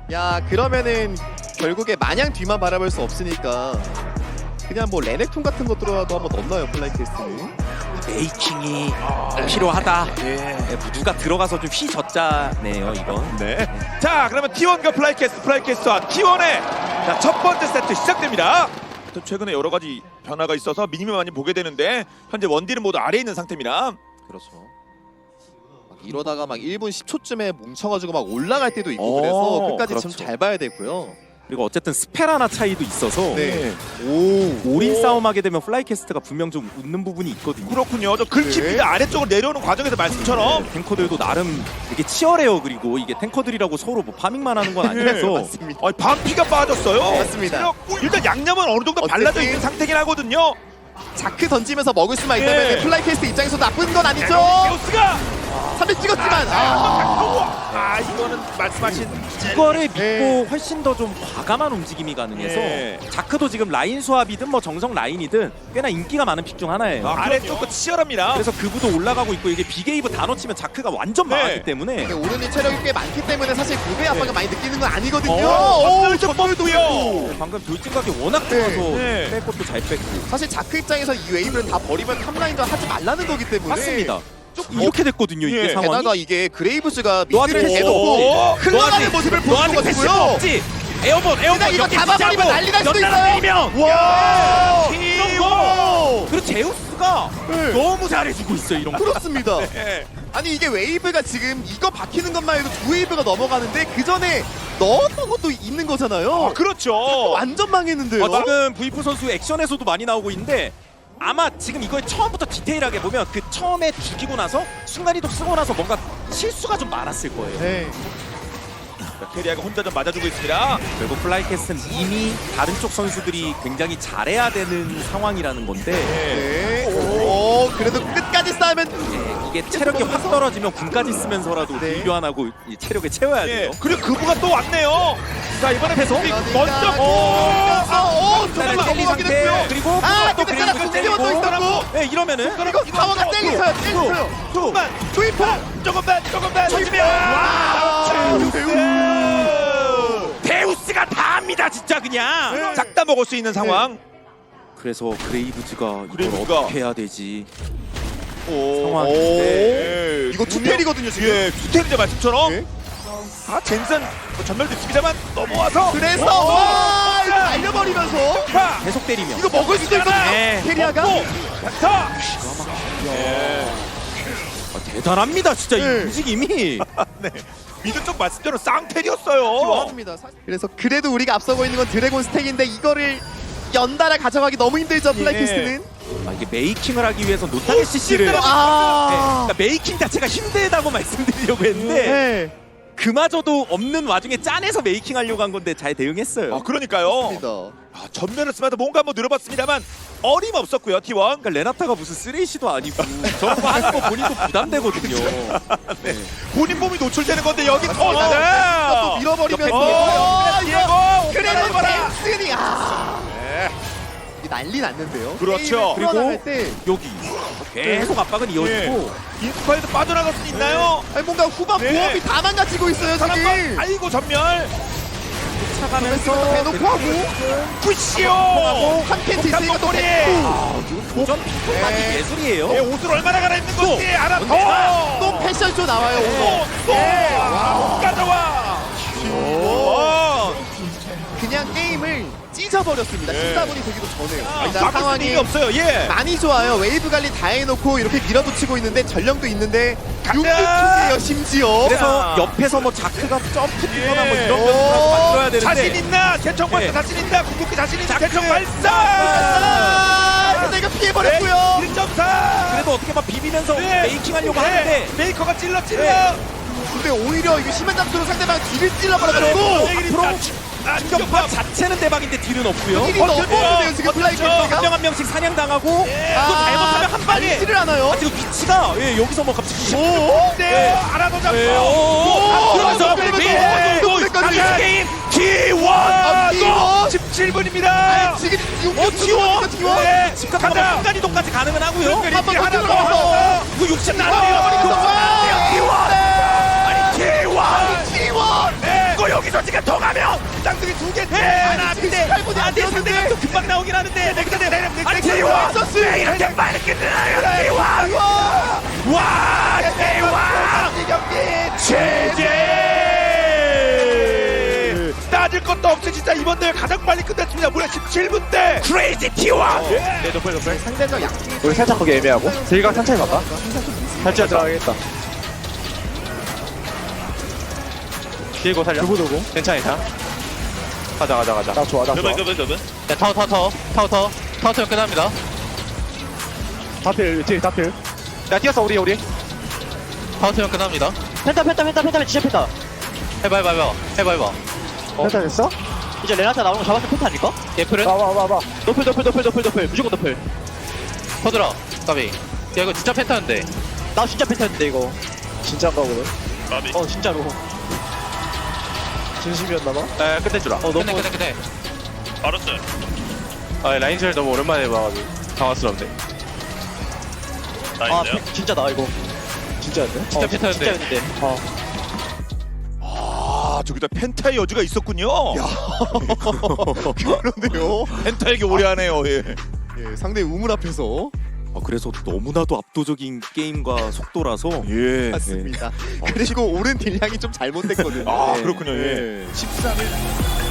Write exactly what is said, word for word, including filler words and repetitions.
야 그러면은 결국에 마냥 뒤만 바라볼 수 없으니까 그냥 뭐 레넥톤 같은 거 들어와도 한번 넣나요 플라이캐스트는? 메이킹이 필요하다. 예. 네, 뭐 누가 들어가서 좀 휘젓자네요 이건. 네. 자, 그러면 티원과 플라이캐스트, 플라이캐스트와 티원의 자, 첫 번째 세트 시작됩니다. 또 최근에 여러 가지 변화가 있어서 미니맵 많이 보게 되는데 현재 원딜은 모두 아래에 있는 상태입니다. 그렇죠. 막 이러다가 막 일 분 십 초쯤에 뭉쳐가지고 막 올라갈 때도 있고 오, 그래서 끝까지 그렇죠. 좀 잘 봐야 되고요. 그리고 어쨌든 스펠 하나 차이도 있어서 네. 오 올인 싸움하게 되면 플라이캐스트가 분명 좀 웃는 부분이 있거든요. 그렇군요. 저 긁힙니다. 네. 아래쪽으로 내려오는 과정에서 말씀처럼 네, 탱커들도 나름 되게 치열해요. 그리고 이게 탱커들이라고 서로 뭐 파밍만 하는 건 아니라서 맞습니다. 어, 반피가 빠졌어요. 맞습니다. 체력, 일단 양념은 어느 정도 발라져 어쨌든 있는 상태긴 하거든요. 자크 던지면서 먹을 수만 있다면 예. 플라이캐스트 입장에서 나쁜 건 아니죠. 데우스가 삼백 찍었지만 아, 아, 이거는 말씀하신 이거를 믿고 네. 훨씬 더 좀 과감한 움직임이 가능해서 예. 자크도 지금 라인 수합이든 뭐 정성 라인이든 꽤나 인기가 많은 픽 중 하나예요. 아, 아래쪽도 치열합니다. 그래서 그부도 올라가고 있고 이게 비게이브 다 놓치면 자크가 완전 네. 망하기 때문에 근데 오른이 체력이 꽤 많기 때문에 사실 그의 압박을 많이 느끼는 건 아니거든요. 어, 오, 좀 뻔도요. 방금 돌진각이 워낙 네. 좋아서 네. 뺄 것도 잘 뺐고 사실 자크 입장에서 이 웨이브를 다 버리면 탑라인도 하지 말라는 거기 때문에 맞습니다. 이렇게 됐거든요 예. 이게 상황이. 게다가 이게 그레이브즈가 너한테 미드를 패시 대놓고 없지. 흘러가는 모습을 너 아직 보여준 패시가 거고요. 없지. 에어본 에어본 그냥 이거 여기 잡아버리면 붙잡고 난리 날 수도 연달아 있어요. 때리면 와! 이런 거. 그리고 제우스가 네. 너무 잘해주고 있어요 이런 거. 그렇습니다. 예. 아니 이게 웨이브가 지금 이거 박히는 것만 해도 두 웨이브가 넘어가는데 그 전에 넣었던 것도 있는 거잖아요. 아, 그렇죠. 완전 망했는데요. 어, 지금 브이프 선수 액션에서도 많이 나오고 있는데 아마 지금 이걸 처음부터 디테일하게 보면 그 처음에 죽이고 나서 순간이동 쓰고 나서 뭔가 실수가 좀 많았을 거예요. 네. 자, 캐리아가 혼자 좀 맞아주고 있습니다. 결국 플라이캐스트는 이미 다른 쪽 선수들이 굉장히 잘해야 되는 상황이라는 건데 네. 오, 그래도 끝까지 싸우면 예, 이게 체력이 확 떨어지면 군까지 쓰면서라도 네. 딜교환 하고 이 체력을 채워야 예. 돼요. 그리고 그부가 또 왔네요. 자, 이번에 앞에서? 빅 그러니까 먼저 오, 오! 오, 일단은 잠깐만 젤리 넘어가긴 상태 했고요. 그리고 아, 또 근데 그레이브 따라 젤리고 또 있었고. 네, 이러면은 이거 타워가 땡기서요, 땡기서요. 조금만, 투입 조금만, 조금만. 와, 데우스가 다 합니다 진짜 그냥. 싹다 먹을 수 있는 상황. 그래서 그레이브즈가 이걸 그레이브즈가. 어떻게 해야 되지? 오. 상황인데. 예. 이거 투텔이거든요 지금. 예, 투텔이죠 말씀처럼. 네. 아, 젠슨 뭐 전멸도 있습니다만 넘어와서. 그래서 오! 와, 이거 날려버리면서 파. 계속 때리면. 이거 먹을 수도 있거든요. 네. 캐리아가. 자. 아, 대단합니다 진짜 이 네. 움직임이. 네. 미드 쪽 말씀대로 쌍텔이었어요. 좋아합니다. 그래서 그래도 우리가 앞서고 있는 건 드래곤 스택인데 이거를 연달아 가져가기 너무 힘들죠 플라이캐스트는. 아, 이게 메이킹을 하기 위해서 노타게 씨씨를 네, 아, 그러니까 메이킹 자체가 힘들다고 말씀드리려고 했는데 네. 그마저도 없는 와중에 짜내서 메이킹 하려고 한 건데 잘 대응했어요. 아, 그러니까요. 맞습니다. 아, 전면을 쓰면서 뭔가 한번 늘어봤습니다만 어림없었고요, 티원. 그러니까 레나타가 무슨 쓰레이시도 아니고 저런 거 하는 거 본인도 부담되거든요. 네. 본인 몸이 노출되는 건데 여기 또 터지네. 밀어버리면서 어, 이거 디에고. 그래도 댄슨이 아 네. 이게 난리 났는데요. 그렇죠. 게임을 풀어나갈 때 여기 계속 압박은 이어지고 인스파이드 빠져나갈 수 있나요? 아니, 뭔가 후반 네. 보험이 다 망가지고 있어요 한 지금. 번, 아이고 전멸. 차가면서 대놓고 하고 푸시오. 한 팬티 있으니까 또 목탄 뱉고 아, 이거 도전 비법만이 네. 예술이에요. 예, 옷을 얼마나 갈아입는 건지 알아. 어. 또 패션쇼 나와요 오늘. 또, 네. 또 가져와. 오. 그냥 게임을 찢어버렸습니다. 네. 시사분이 되기도 전에요. 아, 일단 막을 상황이 수는 없어요. 예. 많이 좋아요. 웨이브 관리 다 해놓고 이렇게 밀어붙이고 있는데 전령도 있는데 가자! 육육이에요 심지어. 그래서 자. 옆에서 뭐 자크가 점프 뛰거나 뭐 예. 이런 변수라도 만들어야 되는데 자신 있나? 개척 발사 네. 자신 있나? 궁극기 자신 있나? 자크. 개척 발사. 아, 근데 이거 피해버렸고요. 일 점 사. 그래도 어떻게 막 비비면서 네. 메이킹 하려고 네. 하는데 메이커가 찔러 찔러. 네. 근데 오히려 이거 심한 잠수로 상대방 뒤를 찔러버려가지고 앞으로 충격파 자체는 대박인데 딜은 없고요. 딜이 어, 너무 어때요? 없는데요 지금 어때요? 한 플라이캐스트가. 명 한 명씩 사냥당하고 예. 이거 잘못하면 한 방에 알지를 않아요. 아, 지금 위치가 예, 여기서 뭐 갑자기 오. 네. 알아도 잡고. 예, 오, 오, 오. 그러면서 그러면서 예, 또 또 끝까지. 다시 게임 T1 아, T1. 십칠 분입니다. 지금 어, T1 T1. 네, 집 갔다가 가자. 순간 이동까지 가능은 하고요. 순간 한번 하나 더 더. 들어가서. 이거 육십 와, 나눠요. 와. T1 아니 T1 T1. 네. 이거 여기서 지금 그러니까 더 가면 쌍둥이 두개 하나 근데 안돼 상대가 또 금방 나오긴 하는데 근데 아니 T1 네, 이렇게 빨리 끝나요 T 원 와 T 원 경기 최재 따질 것도 없이 진짜 이번 대회 가장 빨리 끝냈습니다. 무려 십칠 분 대 크레이지 T 원 네, 높을 높을. 상대적 약. 우리 살짝 거기 애매하고 저희가 천천히 갈까? 살짝 들어가겠다 뒤고 살려. 누구 누구? 괜찮아, 괜찮아. 가자, 가자, 가자. 나 좋아 나 좋아 야, 타워, 타워, 타워, 타워, 타워. 타워 타워 끝납니다. 다필 뒤에 다필 야, 뛰었어, 우리, 우리. 타워 타워 끝납니다. 펜타 펜타 펜타 펜타 진짜 펜타. 해봐, 해봐, 해봐. 해봐, 해봐. 펜타 됐어? 이제 레나타 나오는 거 잡았을 펜타 아닐까? 예플은? 와와와와 노플 노플 노플 노플 노플 무조건 노플. 퍼들어. 까비. 야, 이거 진짜 펜타인데. 나 진짜 펜타였는데 이거. 진짜인가 보네 어 진짜로. 진심이었나봐 에, 끝내주라. 어, 너무- 끝내, 끝내, 끝내. 알았어요. 아, 라인젤 너무 오랜만에 봐가지고. 당황스럽네. 아 펜- 진짜 나 이거. 진짜였네? 진짜 어, 펜타인데. 진짜였는데. 어. 아 저기다 펜타의 여주가 있었군요. 그런데요. 펜타에게 오래하네요. 예. 예, 상대 우물 앞에서 아, 그래서 너무나도 압도적인 게임과 속도라서 예. 맞습니다. 그리고 오른 딜량이 좀 잘못됐거든요. 아, 예. 그렇군요, 예. 십삼 일